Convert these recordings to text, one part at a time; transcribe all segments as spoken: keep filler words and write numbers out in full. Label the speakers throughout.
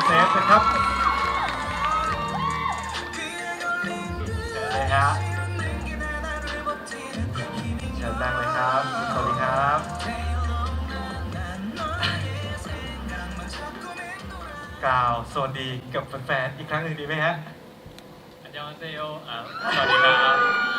Speaker 1: เซฟนะครับเชิญเลยฮะเชิญนั่งเลยครับสวัสดีครับกล่าวสวัสดีกับแฟนๆอีกครั้งหนึ่งดีไหมฮะ
Speaker 2: อันยองเซโยอ่าสวัสดีครับ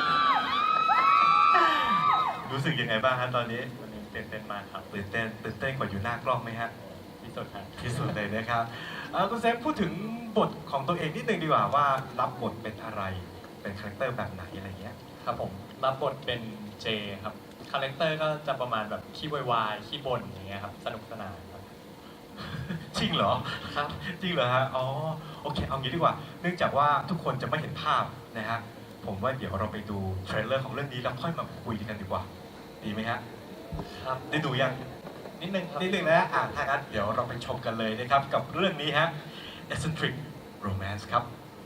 Speaker 1: รู้สึกยังไงบ้างฮะตอนนี้
Speaker 2: วันนี้ตื่นเต้นมากครับ
Speaker 1: ตื่นเต้นตื่นเต้นกว่าอยู่หน้ากล้องไหมฮะ
Speaker 2: ที่สุดครับ
Speaker 1: ที่สุดเลยนะครับเอ่อคุณเซฟพูดถึงบทของตัวเองนิดนึงดีกว่าว่ารับบทเป็นอะไรเป็นคาแรคเตอร์แบบไหนอะไรเงี้ย
Speaker 2: ครับผมรับบทเป็นเจครับคาแรคเตอร์ก็จะประมาณแบบขี้วายๆขี้บ่นอย่างเงี้ยครับสนุกสนานครับ
Speaker 1: จริงเหรอ
Speaker 2: ครับ
Speaker 1: จริงเหรอฮะอ๋อโอเคเอางี้ดีกว่า เนื่องจากว่าทุกคนจะไม่เห็นภาพนะฮะผมว่าเดี๋ยวเราไปดูเทรลเลอร์ของเรื่องนี้แล้วค่อยมาคุยกันดีกว่าดีไหมฮะ
Speaker 2: ครับ
Speaker 1: ได้ดูยัง
Speaker 2: นิดนึงครับ
Speaker 1: นิดนึงนะอ่ะถ้างั้นเดี๋ยวเราไปชมกันเลยนะครับกับเรื่องนี้ฮะ Eccentric Romance ครับ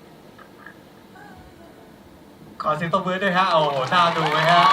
Speaker 1: ขอเสียงตบมือด้วยฮะโอ้โหน่าดูไหมฮะ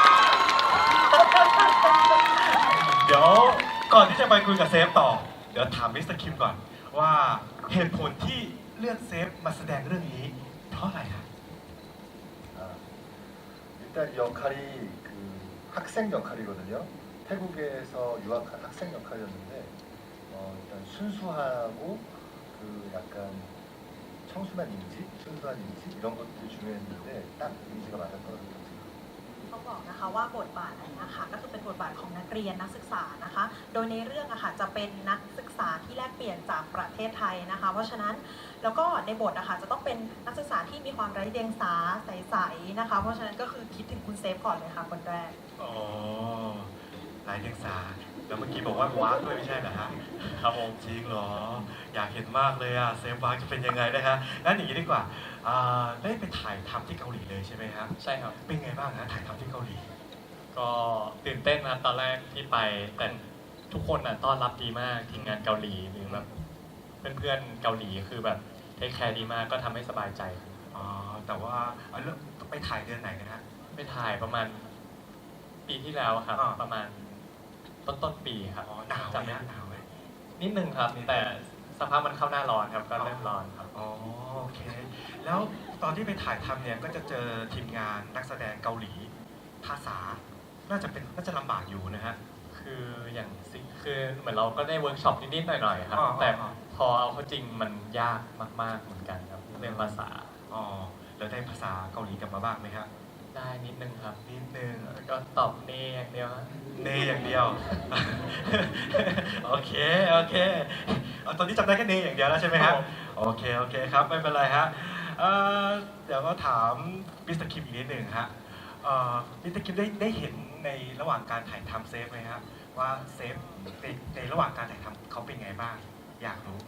Speaker 1: เดี๋ยวก่อนที่จะไปคุยกับเซฟต่อ เดี๋ยวถามมิสเตอร์คิมก่อนว่าเหตุผลที่เลือกเซฟมาแสดงเรื่องนี้เพราะอะไรครับ
Speaker 3: 아, 일단 역할이 그 학생 역할이거든요. 태국에서 유학한 학생 역할이었는데 어, 일단 순수하고 그 약간 청순한 이미지, 순수한 이미지 이런 것들이 중요했는데 딱 이미지가 맞았더라고요.
Speaker 4: ต้องบอกนะคะว่าบทบาทอันนี้ค่ะก็คือเป็นบทบาทของนักเรียนนักศึกษานะคะ โดยในเรื่องอะค่ะจะเป็นนักศึกษาที่แลกเปลี่ยนจากประเทศไทยนะคะ เพราะฉะนั้นแล้วก็ในบทอะค่ะจะต้องเป็นนักศึกษาที่มีความไร้เดียงสาใสๆนะคะ เพราะฉะนั้นก็คือคิดถึงคุณเซฟก่อนเลยค่ะคนแรก
Speaker 1: อ๋อลายเดียงสาแล้วเมื่อกี้บอกว่าวากด้วยไม่ใช่เหรอฮะ
Speaker 2: ครับผม
Speaker 1: จริงเหรอ อยากเห็นมากเลยอะเซฟวากจะเป็นยังไงนะฮะงั้นอย่างนี้ดีกว่าอ่าได้ไปถ่ายทำที่เกาหลีเลยใช่ไหมครับ
Speaker 2: ใช่ครับ
Speaker 1: เป็นไงบ้างฮะถ่ายทำที่เกาหลี
Speaker 2: ก็ตื่นเต้นนะตอนแรกที่ไปแต่ทุกคนอ่ะต้อนรับดีมากทีมงานเกาหลีหรือแบบเพื่อนๆเกาหลีคือแบบเทคแคร์ดีมากก็ทำให้สบายใจครับ
Speaker 1: อ๋อแต่ว่าเอาเรื่องไปถ่ายเดือนไหนนะฮะ
Speaker 2: ไปถ่ายประมาณปีที่แล้วครับ
Speaker 1: อ่า
Speaker 2: ประมาณต้นต้นๆปีครับ
Speaker 1: อ๋อหนาวไหม
Speaker 2: จำไม่
Speaker 1: ฮะหนาวไหม
Speaker 2: นิดนึงครับ แต่สภาพมันเข้าหน้าร้อนครับก็เริ่มร้อนครับ
Speaker 1: อ๋อโอเค แล้วตอนที่ไปถ่ายทำเนี่ยก็จะเจอทีมงานนักแสดงเกาหลี ภาษา น่าจะเป็นน่าจะลำบากอยู่นะฮะ
Speaker 2: คืออย่างสิคือเหมือนเราก็ได้เวิร์กช็อปนิดๆหน่อยๆครับ
Speaker 1: อ่า
Speaker 2: แต่
Speaker 1: อ่า
Speaker 2: พอเอาเข้าจริงมันยากมากๆเหมือนกันครับเรื่องภาษา
Speaker 1: อ๋อแล้วได้ภาษาเกาหลีกลับมาบ้างไหมครับ
Speaker 2: ได้นิดนึงครับ
Speaker 1: นิดนึง
Speaker 2: แล้วก็ตอบเน่อย่างเดียวฮะ
Speaker 1: เนอย่างเดียว โอเคโอเคเอาตอนนี้จำได้แค่เนอย่างเดียวแล้วใช่ไหมครับโอเคโอเคครับไม่เป็นไรฮะเอ่อเดี๋ยวก็ถามมิสเตอร์คิมอีกนิดหนึ่งฮะเอ่อมิสเตอร์คิมได้ได้เห็นในระหว่างการถ่ายทำเซฟไหมครับว่าเซฟในในระหว่างการถ่ายทำเขาเป็นไงบ้าง อยากรู้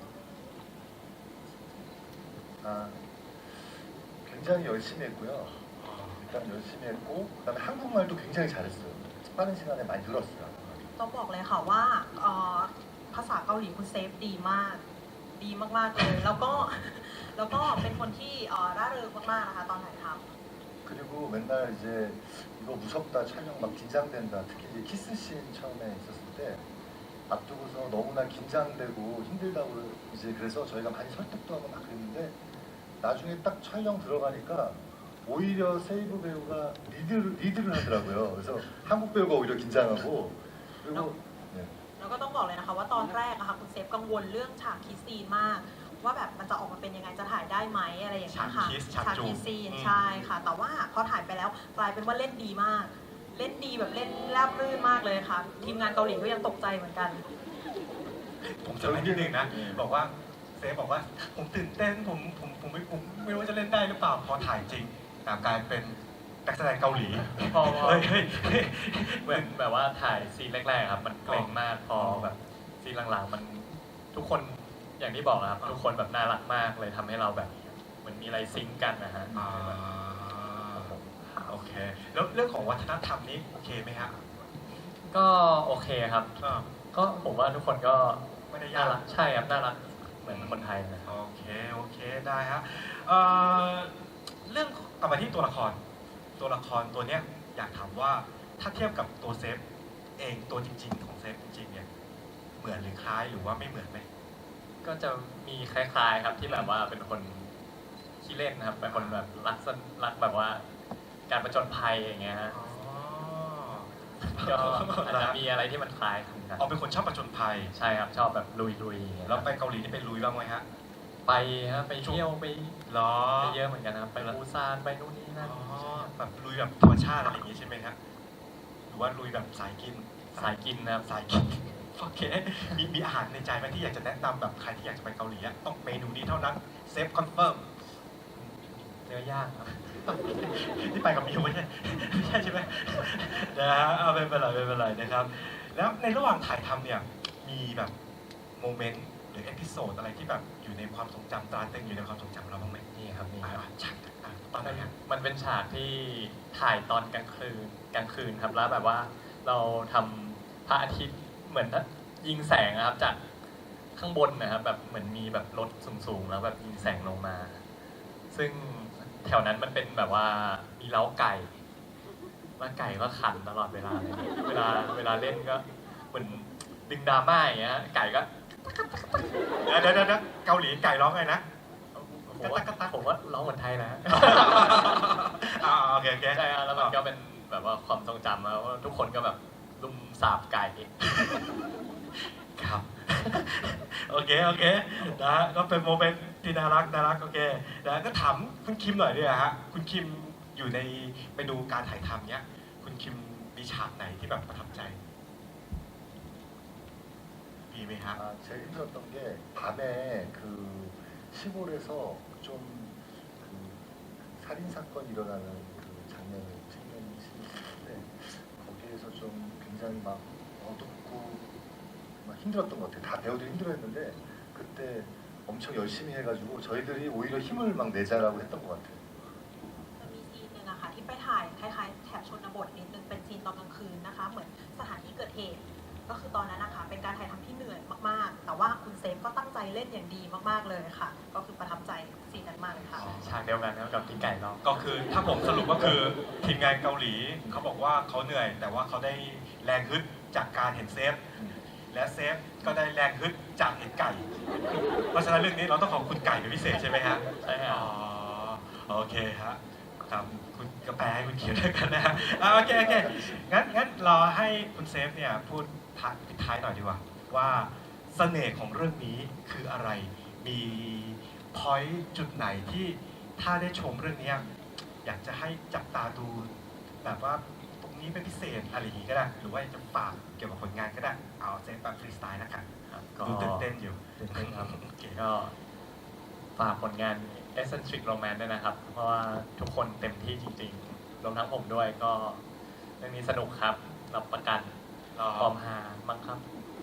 Speaker 3: 아, 굉장히 열심히 했고요. 일단 열심히 했고 그다음에 한국말도 굉장히 잘했어요. 빠른 시간에 많이 늘었어요.
Speaker 4: ต้องบอกเลยค่ะว่าเอ่อภาษาเกาหลีคุณเซฟดีมาก ดีมากๆเลย แล้วก็แล้วก็เป็นคนที่เอ่อร่าเริงมากๆนะคะตอนถ่ายทำ
Speaker 3: 그리고 맨날 이제 이거 무섭다 촬영 막 긴장된다 특히 이제 키스씬 처음에 있었을 때 앞두고서 너무나 긴장되고 힘들다고 이제 그래서 저희가 많이 설득도 하고 막 그랬는데 나중에 딱 촬영 들어가니까 오히려 세이브 배우가 리드를, 리드를 하더라고요. 그래서 한국 배우가 오히려 긴장하고 그리고 네.
Speaker 4: แล้วก็ต้องบอกเลยนะคะว่าตอนแรกอะค่ะคุณเซฟกังวลเรื่องฉากคิสซีนมาก ว่าแบบมันจะออกมาเป็นยังไงจะถ่ายได้ไหมอะไรอย่างเงี้ยค่ะ
Speaker 1: ฉากคิสฉากจูบ
Speaker 4: คิสซีน
Speaker 1: อืม
Speaker 4: ใช่ค่ะ แต่ว่าพอถ่ายไปแล้วกลายเป็นว่าเล่นดีมาก เล่นดีแบบเล่นราบรื่นมากเลยค่ะ ทีมงานเกาหลีก็ยังตกใจเหมือนกัน
Speaker 1: ผมจำได้นิดนึงนะ บอกว่าเซฟบอกว่าผมตื่นเต้นผมผมผมไม่ผมไม่รู้ว่าจะเล่นได้หรือเปล่าพอถ่ายจริงแต่กลายเป็นนักแสดงเกาหลี
Speaker 2: พอ
Speaker 1: เฮ้ยเฮ้ยเฮ้ย
Speaker 2: เหมือนแบบว่าถ่ายซีนแรกๆครับ มันเกรงมากพอแบบซีนหลังๆมันทุกคนอย่างที่บอกนะครับ ทุกคนแบบน่ารักมากเลยทำให้เราแบบเหมือนมีอะไรซิงก์กันนะฮะ
Speaker 1: อ่าโอเค แล้วเรื่องของวัฒนธรรมนี้โอเคไหมฮะ
Speaker 2: ก็โอเคครับ
Speaker 1: อ่า
Speaker 2: ก็ผมว่าทุกคนก็
Speaker 1: ไม่ได้
Speaker 2: น่าย
Speaker 1: าก
Speaker 2: รักใช่ครับน่ารักเหมือนคนไทยนะ
Speaker 1: โอเคโอเคได้ฮะเอ่อเรื่องกลับมาที่ตัวละคร ตัวละครตัวเนี้ยอยากถามว่าถ้าเทียบกับตัวเซฟเองตัวจริง ๆ ของเซฟจริงๆเนี่ยเหมือนหรือคล้ายหรือว่าไม่เหมือนไหม
Speaker 2: ก็จะมีคล้ายๆครับที่แบบว่าเป็นคนขี้เล่นนะครับเป็นคนแบบรักสนรักแบบว่าการประจนภัยอย่างเงี้ยฮะ
Speaker 1: อ๋อ
Speaker 2: ก็อาจจะมีอะไรที่มันคล้ายกันครับ
Speaker 1: อ๋อเป็นคนชอบประจนภัย
Speaker 2: ใช่ครับชอบแบบลุยๆอย่างเงี้ย
Speaker 1: แล้วไปเกาหลีนี่ไปลุยบ้างไหมฮะ
Speaker 2: ไปฮะไปเที่ยวไป
Speaker 1: เหรอ
Speaker 2: ไปเยอะเหมือนกันนะครับไปปูซานไปนู่นนี่นั่น
Speaker 1: อ๋อแบบลุยแบบธรรมชาติอะไรอย่างงี้ใช่ไหมครับหรือว่าลุยแบบสายกิน
Speaker 2: สายกินนะครับ
Speaker 1: สายกิน โอเค มีมีอาหารในใจไหมที่อยากจะแนะนำแบบใครที่อยากจะไปเกาหลีอะต้องเมนูนี้เท่านั้นเซฟคอนเฟิร์ม
Speaker 2: เนื้อย่างครับ
Speaker 1: ที่ไปกับมิวไม่ใช่ ไม่ใช่ใช่ไหมนะฮะเอาไม่เป็นไรไม่เป็นไรนะครับ แล้วในระหว่างถ่ายทำเนี่ยมีแบบโมเมนต์หรือเอพิโซดอะไรที่แบบอยู่ในความทรงจำตราตรึงอยู่ในความทรงจำเราบ้างไหม
Speaker 2: นี่ครับนี่
Speaker 1: อ่า
Speaker 2: ครับ
Speaker 1: ใช่อ่ะตอนไหนฮะ
Speaker 2: มันเป็นฉากที่ถ่ายตอนกลางคืนกลางคืนครับแล้วแบบว่าเราทำพระอาทิตย์เหมือนยิงแสงนะครับจากข้างบนนะครับแบบเหมือนมีแบบรถสูงๆแล้วแบบยิงแสงลงมา ซึ่งแถวนั้นมันเป็นแบบว่ามีเล้าไก่แล้วไก่ก็ขันตลอดเวลาเลยเวลาเวลาเล่นก็เหมือนดึงดราม่าอย่างเงี้ยไก่ก็
Speaker 1: เดี๋ยวเดี๋ยวเดี๋ยวเกาหลีไก่ร้องไงนะ
Speaker 2: ผมว่าผมว่าร้องเหมือนไทยนะ
Speaker 1: อ่าโอเคโอเค
Speaker 2: ใช่ครับแล้วมันก็เป็นแบบว่าความทรงจำนะว่าทุกคนก็แบบลุมสาบไก่
Speaker 1: ครับ โอเคโอเคนะฮะก็เป็นโมเมนต์ที่น่ารักน่ารักโอเคนะก็ถามคุณคิมหน่อยด้วยฮะคุณคิมอยู่ในไปดูการถ่ายทำเนี้ยคุณคิมมีฉากไหนที่แบบประทับใจมีไหมครับ
Speaker 3: 아, 제일 힘들었던 게 밤에 그 시골에서 좀 그 살인 사건이 일어나는 그 장면을 찍는 씬인데 거기에서 좀 굉장히 막 어둡고 막 힘들었던 것 같아요. 다 배우들이 힘들어했는데 그때 엄청 열심히 해가지고 저희들이 오히려 힘을 막 내자라고 했던 것 같아요.
Speaker 4: จะมีซีนหนึ่งอะค่ะที่ไปถ่ายคล้ายๆแถบชนบทนิดนึงเป็นซีนตอนกลางคืนนะคะ เหมือนสถานที่เกิดเหตุ ก็คือตอนนั้นนะคะเป็นการถ่ายทำที่เหนื่อยมากๆ แต่ว่าคุณเซฟก็ตั้งใจเล่นอย่างดีมากๆเลยค่ะ ก็คือประทับใจซีนนั้นมากเลยค่ะ
Speaker 2: ฉากเดียวกันครับกับที่ไก่ร้อง
Speaker 1: ก็คือถ้าผมสรุปก็คือทีมงานเกาหลีเขาบอกว่าเขาเหนื่อย แต่ว่าเขาได้แรงฮึดจากการเห็นเซฟ และเซฟก็ได้แรงฮึดจากเห็นไก่ เพราะฉะนั้นเรื่องนี้เราต้องขอบคุณไก่เป็นพิเศษใช่ไหมฮะ
Speaker 2: ใช่ครับ
Speaker 1: อ๋อโอเคฮะครับคุณกระแปลให้คุณเขียนด้วยกันนะฮะอ่าโอเคโอเคงั้นงั้นรอให้คุณเซฟเนี่ยพูดท้ายปิดท้ายหน่อยดีกว่า ว่าเสน่ห์ของเรื่องนี้คืออะไรมีพอยต์จุดไหนที่ถ้าได้ชมเรื่องเนี้ยอยากจะให้จับตาดูแบบว่าตรงนี้เป็นพิเศษอะไรอย่างงี้ก็ได้ หรือว่าจะฝากเกี่ยวกับผลงานก็ได้ เอาเซฟแบบฟรีสไตล์นะครับ
Speaker 2: ครับก็
Speaker 1: ดูตื่นเต้นอยู่
Speaker 2: ตื่นเต้นครับ
Speaker 1: โอเค
Speaker 2: ก็ฝากผลงาน Eccentric Romance ด้วยนะครับ เพราะว่าทุกคนเต็มที่จริงๆ รวมทั้งผมด้วยก็เรื่องนี้สนุกครับ รับประกัน
Speaker 1: อ๋อ
Speaker 2: พร้อมฮามั้งครับ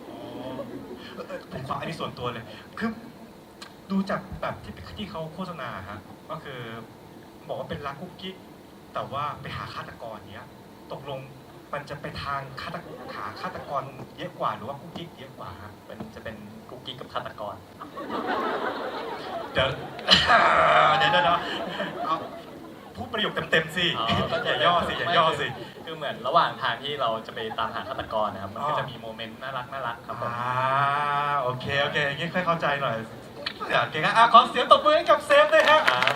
Speaker 1: ผมขออันนี้ส่วนตัวเลย คือดูจากแบบที่ที่เขาโฆษณาฮะ ก็คือบอกว่าเป็นรักกุ๊กกิ๊ก แต่ว่าไปหาฆาตกรเนี้ย ตกลงมันจะไปทางฆาตหาฆาตกรเยอะกว่าหรือว่ากุ๊กกิ๊กเยอะกว่าฮะ
Speaker 2: เป็นจะเป็นกุ๊กกิ๊กกับฆาตกร
Speaker 1: เดี๋ยว เดี๋ยวเดี๋ยวเดี๋ยวเอาพูดประโยคเต็มๆสิ
Speaker 2: อ๋อ
Speaker 1: อย่าย่อสิอย่าย่อสิ
Speaker 2: คือเหมือนระหว่างทางที่เราจะไปตามหาฆาตกรนะครับ มันก็
Speaker 1: อ๋อ
Speaker 2: จะมีโมเมนต์น่ารักน่ารักครับผม
Speaker 1: อ่าโอเคโอเคอย่างงี้ค่อยเข้าใจหน่อยโอเคครับอ่ะขอเสียงตบมือให้กับเซฟด้วยฮะ
Speaker 2: อ่า